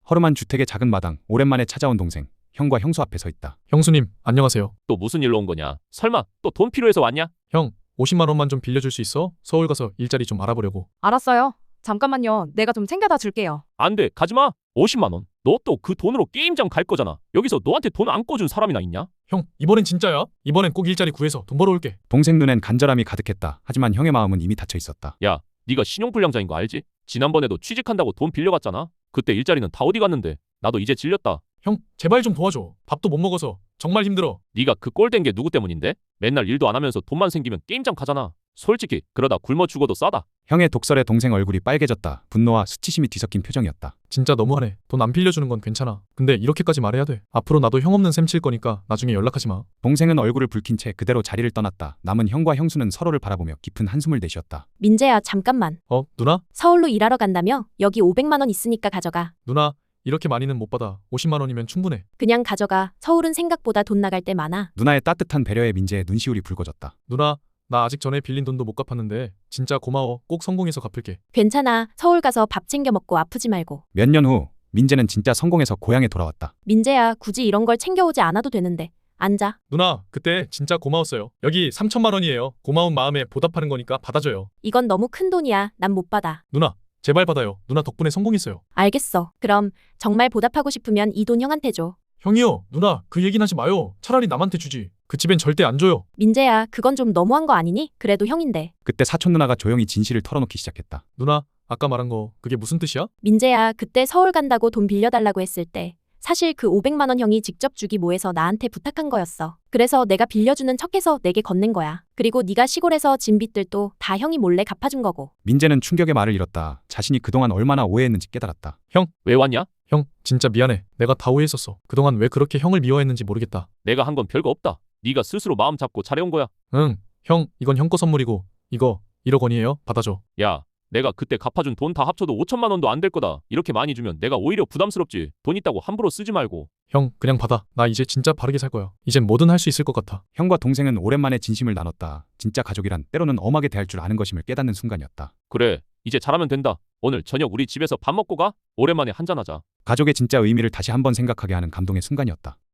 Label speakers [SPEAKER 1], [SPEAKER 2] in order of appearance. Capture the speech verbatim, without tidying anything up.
[SPEAKER 1] 허름한 주택의 작은 마당, 오랜만에 찾아온 동생, 형과 형수 앞에 서 있다.
[SPEAKER 2] 형수님, 안녕하세요.
[SPEAKER 3] 또 무슨 일로 온 거냐? 설마 또 돈 필요해서 왔냐?
[SPEAKER 2] 형, 오십만 원만 좀 빌려줄 수 있어? 서울 가서 일자리 좀 알아보려고.
[SPEAKER 4] 알았어요. 잠깐만요. 내가 좀 챙겨다 줄게요.
[SPEAKER 3] 안 돼, 가지마. 오십만 원. 너 또 그 돈으로 게임장 갈 거잖아. 여기서 너한테 돈 안 꿔준 사람이나 있냐?
[SPEAKER 2] 형, 이번엔 진짜야? 이번엔 꼭 일자리 구해서 돈 벌어올게.
[SPEAKER 1] 동생 눈엔 간절함이 가득했다. 하지만 형의 마음은 이미 닫혀 있었다.
[SPEAKER 3] 야, 네가 신용불량자인 거 알지? 지난번에도 취직한다고 돈 빌려갔잖아. 그때 일자리는 다 어디 갔는데? 나도 이제 질렸다.
[SPEAKER 2] 형, 제발 좀 도와줘. 밥도 못 먹어서 정말 힘들어.
[SPEAKER 3] 네가 그 꼴 된 게 누구 때문인데? 맨날 일도 안 하면서 돈만 생기면 게임장 가잖아. 솔직히 그러다 굶어 죽어도 싸다.
[SPEAKER 1] 형의 독설에 동생 얼굴이 빨개졌다. 분노와 수치심이 뒤섞인 표정이었다.
[SPEAKER 2] 진짜 너무하네. 돈 안 빌려주는 건 괜찮아. 근데 이렇게까지 말해야 돼. 앞으로 나도 형 없는 셈 칠 거니까 나중에 연락하지 마.
[SPEAKER 1] 동생은 얼굴을 붉힌 채 그대로 자리를 떠났다. 남은 형과 형수는 서로를 바라보며 깊은 한숨을 내쉬었다.
[SPEAKER 5] 민재야, 잠깐만.
[SPEAKER 2] 어, 누나?
[SPEAKER 5] 서울로 일하러 간다며? 여기 오백만 원 있으니까 가져가.
[SPEAKER 2] 누나, 이렇게 많이는 못 받아. 오십만 원이면 충분해.
[SPEAKER 5] 그냥 가져가. 서울은 생각보다 돈 나갈 때 많아.
[SPEAKER 1] 누나의 따뜻한 배려에 민재의 눈시울이 붉어졌다.
[SPEAKER 2] 누나, 나 아직 전에 빌린 돈도 못 갚았는데 진짜 고마워. 꼭 성공해서 갚을게.
[SPEAKER 5] 괜찮아. 서울 가서 밥 챙겨 먹고 아프지 말고.
[SPEAKER 1] 몇 년 후 민재는 진짜 성공해서 고향에 돌아왔다.
[SPEAKER 5] 민재야, 굳이 이런 걸 챙겨오지 않아도 되는데. 앉아.
[SPEAKER 2] 누나, 그때 진짜 고마웠어요. 여기 삼천만 원이에요. 고마운 마음에 보답하는 거니까 받아줘요.
[SPEAKER 5] 이건 너무 큰 돈이야. 난 못 받아.
[SPEAKER 2] 누나, 제발 받아요. 누나 덕분에 성공했어요.
[SPEAKER 5] 알겠어. 그럼 정말 보답하고 싶으면 이 돈 형한테 줘.
[SPEAKER 2] 형이요, 누나, 그 얘기는 하지 마요. 차라리 남한테 주지. 그 집엔 절대 안 줘요.
[SPEAKER 5] 민재야, 그건 좀 너무한 거 아니니? 그래도 형인데.
[SPEAKER 1] 그때 사촌 누나가 조용히 진실을 털어놓기 시작했다.
[SPEAKER 2] 누나, 아까 말한 거 그게 무슨 뜻이야?
[SPEAKER 5] 민재야, 그때 서울 간다고 돈 빌려달라고 했을 때 사실 그 오백만 원 형이 직접 주기 뭐해서 나한테 부탁한 거였어. 그래서 내가 빌려주는 척해서 내게 건넨 거야. 그리고 네가 시골에서 진 빚들도 다 형이 몰래 갚아준 거고.
[SPEAKER 1] 민재는 충격의 말을 잃었다. 자신이 그동안 얼마나 오해했는지 깨달았다.
[SPEAKER 3] 왜 왔냐?
[SPEAKER 2] 형, 진짜 미안해. 내가 다 오해했었어. 그동안 왜 그렇게 형을 미워했는지 모르겠다.
[SPEAKER 3] 내가 한 건 별거 없다. 네가 스스로 마음 잡고 잘해온 거야.
[SPEAKER 2] 응, 형, 이건 형 거 선물이고 이거 일억 원이에요. 받아줘.
[SPEAKER 3] 야, 내가 그때 갚아준 돈 다 합쳐도 오천만 원도 안 될 거다. 이렇게 많이 주면 내가 오히려 부담스럽지. 돈 있다고 함부로 쓰지 말고.
[SPEAKER 2] 형, 그냥 받아. 나 이제 진짜 바르게 살 거야. 이젠 뭐든 할 수 있을 것 같아.
[SPEAKER 1] 형과 동생은 오랜만에 진심을 나눴다. 진짜 가족이란 때로는 엄하게 대할 줄 아는 것임을 깨닫는 순간이었다.
[SPEAKER 3] 그래, 이제 잘하면 된다. 오늘 저녁 우리 집에서 밥 먹고 가. 오랜만에 한잔하자.
[SPEAKER 1] 가족의 진짜 의미를 다시 한번 생각하게 하는 감동의 순간이었다.